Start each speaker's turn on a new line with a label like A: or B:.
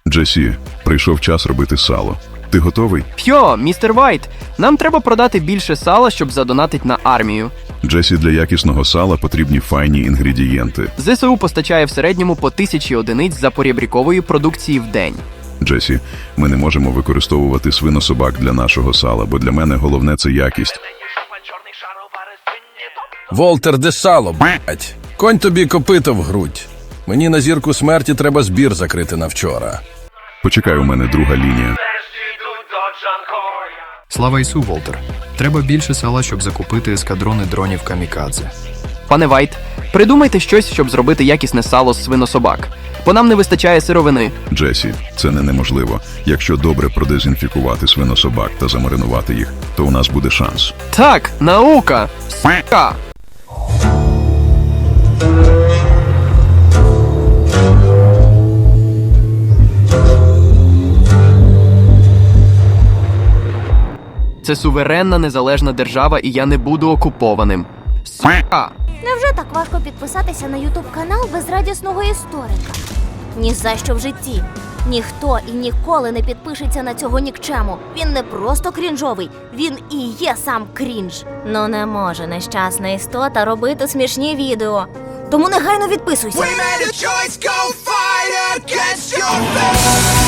A: Джесі, прийшов час робити сало. Ти готовий?
B: П'йо, містер Вайт, нам треба продати більше сала, щоб задонатить на армію.
A: Джесі, для якісного сала потрібні файні інгредієнти.
B: ЗСУ постачає в середньому по 1000 одиниць запорєбрікової продукції в день.
A: Джесі, ми не можемо використовувати свинособак для нашого сала, бо для мене головне – це якість.
C: Волтер, де сало, блять? Конь тобі копито в грудь. Мені на зірку смерті треба збір закрити на вчора.
A: Почекай, у мене друга лінія.
D: Слава Ісу, Волтер. Треба більше сала, щоб закупити ескадрони дронів камікадзе.
B: Пане Вайт, придумайте щось, щоб зробити якісне сало з свинособак. Бо нам не вистачає сировини.
A: Джесі, це не неможливо. Якщо добре продезінфікувати свинособак та замаринувати їх, то у нас буде шанс.
B: Так, наука! С**ка! Це суверенна незалежна держава, і я не буду окупованим. С**ка!
E: Невже так важко підписатися на ютуб-канал безрадісного історика? Ні за що в житті. Ніхто і ніколи не підпишеться на цього нікчему. Він не просто крінжовий, він і є сам крінж. Ну не може нещасна істота робити смішні відео. Тому негайно відписуйся.
F: We made a choice, go fight against your fate.